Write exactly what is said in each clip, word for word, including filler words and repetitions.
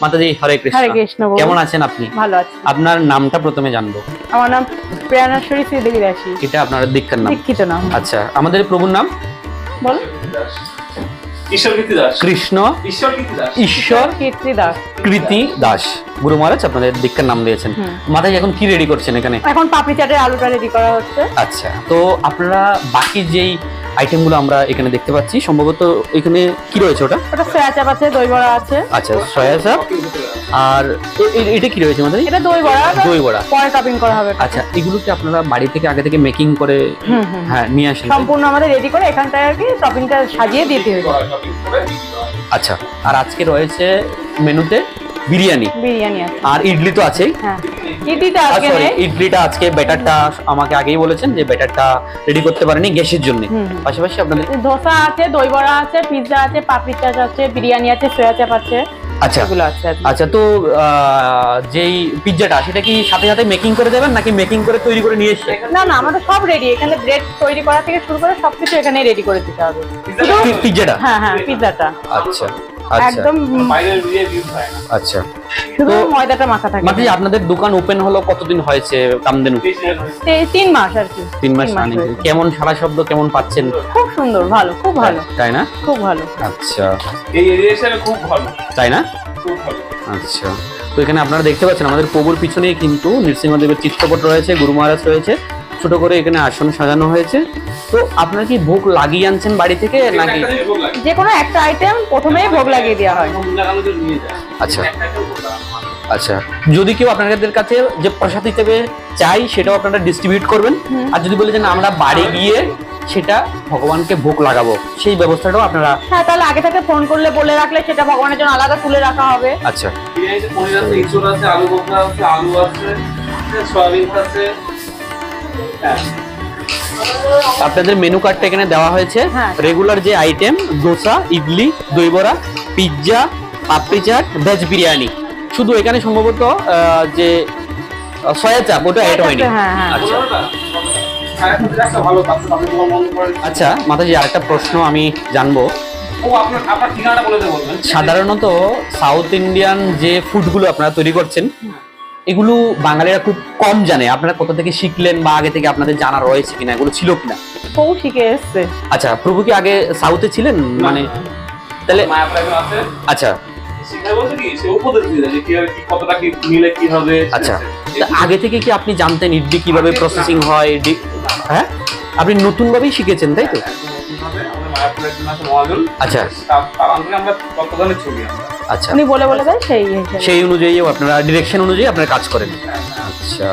মাতাজি হরে কৃষ্ণ। হরে কৃষ্ণ। কেমন আছেন আপনি? ভালো আছি। আপনার নামটা প্রথমে জানবো। আমার নাম প্রেরণাশ্বরী শ্রীদেবী দাসী। এটা আপনার দীক্ষার নাম? দীক্ষিত নাম। আচ্ছা, আমাদের প্রভুর নাম? বল। ঈশ্বর কীর্তি দাস। কৃষ্ণ ঈশ্বর কীর্তি দাস। ঈশ্বর কীর্তি দাস। কৃতি দাস। গুরু মহারাজ আপনাদের দীক্ষার নাম দিয়েছেন। মাতাজি এখন কি রেডি করছেন এখানে? এখন পাপড়ি চাটের আলুটা রেডি করা হচ্ছে। আচ্ছা, তো আপনারা বাকি যেই আইটেমগুলো আমরা এখানে দেখতে পাচ্ছি, সম্ভবত এখানে কি রয়েছে ওটা? ওটা সয়া চাপ আছে, দই বড়া আছে। আচ্ছা, সয়া চাপ। আর এ- এ- এটা কি রয়েছে মাতাজি? এটা দই বড়া। দই বড়া। পরে টপিং করা হবে। আচ্ছা, এগুলো কি আপনারা বাড়ি থেকে আগে থেকে মেকিং করে হুম, হুম। হ্যাঁ নিয়ে আসেন? সম্পূর্ণ আমাদের রেডি করে এখানটায় আর কি টপিংটা সাজিয়ে দিতে হবে। আচ্ছা, আর আজকে রয়েছে মেনুতে বিরিয়ানি, বিরিয়ানি আছে। আর ইডলি তো আছেই। হ্যাঁ, ইডলিটা আর আজকে sorry, নেই। ইডলিটা আজকে ব্যাটারটা আমাকে আগেই বলেছেন যে ব্যাটারটা রেডি করতে পারেনি গ্যাসের জন্য। হুম, হুম। পাশাপাশি আপনাদের ধোসা আছে, দই বড়া আছে, পিৎজা আছে, পাপড়ি চাট আছে, বিরিয়ানি আছে, সয়া চাপ আছে। আচ্ছা এগুলো আছে আজকে। আচ্ছা, তো আহ, যেই পিৎজাটা সেটা কি সাথে সাথে মেকিং করে দেবেন নাকি মেকিং করে তৈরি করে নিয়ে এসে? না না, আমাদের সব রেডি। এখানে ব্রেড তৈরি করা থেকে শুরু করে সবকিছু এখানে রেডি করে দিতে হবে। পি- পিৎজাটা? হ্যাঁ হ্যাঁ, পিৎজাটা আচ্ছা আচ্ছা একদম বাইরের দিয়ে ভিউ হয় না। আচ্ছা, শুধু তো- ময়দাটা মাখা থাকে। মাত্র আপনাদের দোকান ওপেন হলো কতদিন হয়েছে কামদেনু? তে- তিন মাস আর কি। তিন মাস রানিং। হয়েছে। কেমন সারা শব্দ কেমন পাচ্ছেন? খুব সুন্দর, ভালো, খুব ভালো, তাই না? খুব ভালো। আচ্ছা, এই এরিয়া হিসেবে খুব ভালো, তাই না? খুব ভালো। আচ্ছা, তো এখানে আপনারা দেখতে পাচ্ছেন আমাদের প্রভুর পিছনেই কিন্তু নৃসিংহদেবের চিত্রপট রয়েছে, গুরু মহারাজ রয়েছে, ছোট করে এখানে আসন সাজানো হয়েছে। তো আপনারা কি ভোগ লাগিয়ে আনছেন বাড়ি থেকে নাকি? একটা জিনিস ভোগ লাগে। যে কোনো একটা আইটেম প্রথমেই ভোগ লাগিয়ে দেওয়া হয়। ভোগ লাগানো জন্য নিয়ে যায়। আচ্ছা। একটা একটা ভোগ লাগানো হয়। আচ্ছা, যদি কেউ আপনাদের কাছে যে প্রসাদ হিসেবে চাই সেটাও আপনারা ডিস্ট্রিবিউট করবেন, আর যদি বলে যে না আমরা বাড়ি গিয়ে সেটা ভগবানকে ভোগ লাগাবো, সেই ব্যবস্থাটাও আপনারা? হ্যাঁ, তাহলে আগে থেকে ফোন করলে বলে রাখলে সেটা ভগবানের জন্য আলাদা তুলে রাখা হবে। আচ্ছা বিরিয়ানিতে পনির আছে, ইঁচড় আছে, আলু ভর্তা আছে, আলু আছে, সয়াবিন আছে। হ্যাঁ। আপনাদের মেনু কার্ডটা এখানে দেওয়া হয়েছে। হ্যাঁ। রেগুলার যে আইটেম দোসা, ইডলি, দই বড়া, পিৎজা, পাপড়ি চাট, ভেজ বিরিয়ানি, শুধু এখানে সম্ভবত আহ, যে আহ, সয়া চাপ ওটা অ্যাড হয়নি। হ্যাঁ, হ্যাঁ। আচ্ছা ওটা? হ্যাঁ, একটা ভালো কাজ আপনি তোমার মন করেন। আচ্ছা মাতাজি, আরেকটা প্রশ্ন আমি জানবো। ও আপনার আপনার ঠিকানাটা বলে দেবো বলবেন। সাধারণত সাউথ ইন্ডিয়ান যে ফুডগুলো আপনারা তৈরি করছেন এগুলো বাঙালিরা খুব কম জানে। আপনারা কোথা থেকে শিখলেন বা আগে থেকে আপনাদের জানা রয়েছে কিনা, এগুলো ছিল কিনা? বউ শিখে এসছে। আচ্ছা, প্রভু কি আগে সাউথে ছিলেন? মানে তাহলে মায়া প্রাইভেট আছে। আচ্ছা শিক্ষা বলতে কি সে উপদেশ দিয়ে দেয় যে কিভাবে কি কতটা কি নিলে কি হবে। আচ্ছা, তা আগে থেকে কি আপনি জানতেন ইডলি কিভাবে প্রসেসিং হয়? ইডলি হ্যাঁ, আপনি নতুন ভাবেই শিখেছেন তাই তো? আচ্ছা। আচ্ছা, উনি বলে বলে দেয় সেই হিসেবে। সেই অনুযায়ী আপনারা ডিরেকশন অনুযায়ী আপনারা কাজ করেন। আচ্ছা,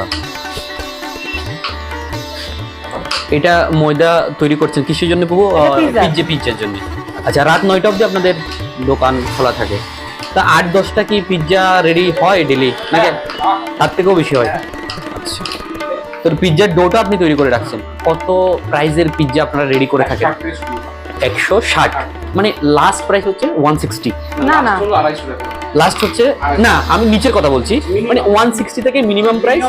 এটা ময়দা তৈরি করছেন কিসের জন্য প্রভু? এটা পিৎজা। পিৎজা পিৎজার জন্য। আচ্ছা, রাত নয়টা অবধি আপনাদের দোকান খোলা থাকে। তা আট দশটা কি পিৎজা রেডি হয় ডেলি নাকি তার থেকেও বেশি হয়? আচ্ছা, তো পিৎজার ডোটা আপনি তৈরি করে রাখছেন। কত প্রাইসের পিৎজা আপনারা রেডি করে থাকেন? একশো ষাট, মানে লাস্ট প্রাইস হচ্ছে ওয়ান সিক্সটি। না না, লাস্ট হচ্ছে না, আমি নিচের কথা বলছি, মানে ওয়ান সিক্সটি থেকে মিনিমাম প্রাইস।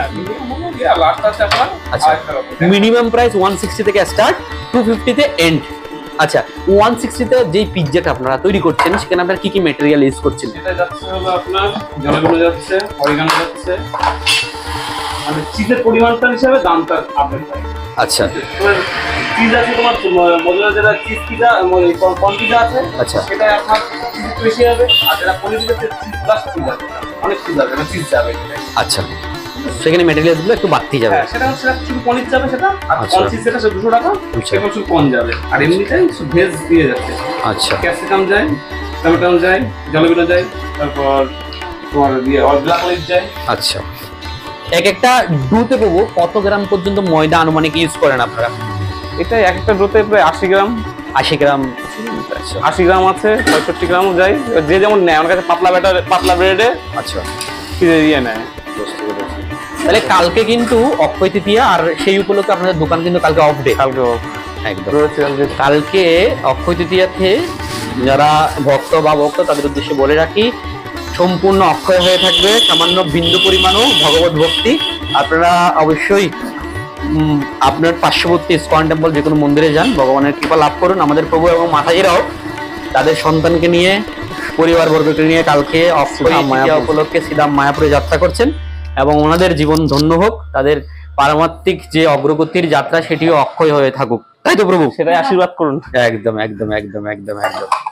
আচ্ছা, মিনিমাম প্রাইস ওয়ান সিক্সটি থেকে স্টার্ট, টু ফিফটিতে এন্ড। আচ্ছা, ওয়ান সিক্সটিতে যেই পিৎজাটা আপনারা তৈরি করছেন সেখানে আপনারা কি কি ম্যাটেরিয়াল ইউজ করছেন? এটা যাচ্ছে হলো আপনার জলগুলো যাচ্ছে, অরিগানো যাচ্ছে, মানে চিজের পরিমাণটা হিসাবে দামটা আপডেট হয়। আচ্ছা চিজ আছে তোমার মজুরা যেটা চিজ পিজা কর্ন পিজা আছে, আচ্ছা। সেটা আপনার চিজ একটু বেশি হবে, আর যেটা paneer pizza cheese plus cheese আছে, অনেক চিজ যাবে, চিজ যাবে। আচ্ছা, সেখানে ম্যাটেরিয়ালস গুলো একটু বাড়তি যাবে। হ্যাঁ, সেটা হচ্ছে শুধু পনির যাবে সেটা, আর আচ্ছা। কর্ন চিজ যেটা সেটা দুশো টাকা, আচ্ছা। এবং শুধু কর্ন যাবে, আর এমনিটাই ভেজ দিয়ে যাচ্ছে। আচ্ছা ক্যাপসিকাম যায়, টমেটো যায়, জলবিনো যায়, তারপর তোমার দিয়ে ব্ল্যাক অলিভ যায়। আচ্ছা, এক একটা ডুতে পাবো কত গ্রাম পর্যন্ত ময়দা আনুমানিক ইউজ করেন আপনারা? এটা এক একটা ডোতে প্রায় আশি গ্রাম আশি গ্রাম। আচ্ছা আশি গ্রাম আছে, পঁয়ষট্টি গ্রামও যায়, যে যেমন নেয়। আমার কাছে পাতলা ব্যাটার পাতলা ব্রেডে আচ্ছা, ফিরে দিয়ে নেয়। বুঝতে পেরেছি। তাহলে কালকে কিন্তু অক্ষয় তৃতীয়া, আর সেই উপলক্ষে আপনাদের দোকান কিন্তু কালকে অফ ডে। কালকে একদম রয়েছে যে কালকে অক্ষয় তৃতীয়াতে যারা ভক্ত বা ভক্ত তাদের উদ্দেশ্যে বলে রাখি, সম্পূর্ণ অক্ষয় হয়ে থাকবে, সামান্য বিন্দু পরিমাণও ভগবত ভক্তি। আপনারা অবশ্যই উম, আপনার পার্শ্ববর্তী ইসকন টেম্পল যে কোনো মন্দিরে যান, ভগবানের কৃপা লাভ করুন। আমাদের প্রভু এবং মাতাজিরাও তাদের সন্তানকে নিয়ে পরিবার বর্গকে নিয়ে কালকে অক্ষয় শ্রীধাম তৃতীয়া মায়াপুর। উপলক্ষে শ্রীধাম মায়াপুরে যাত্রা করছেন এবং ওনাদের জীবন ধন্য হোক, তাদের পারমাত্মিক যে অগ্রগতির যাত্রা সেটিও অক্ষয় হয়ে থাকুক, তাই তো প্রভু? সেটাই আশীর্বাদ করুন। একদম একদম একদম একদম একদম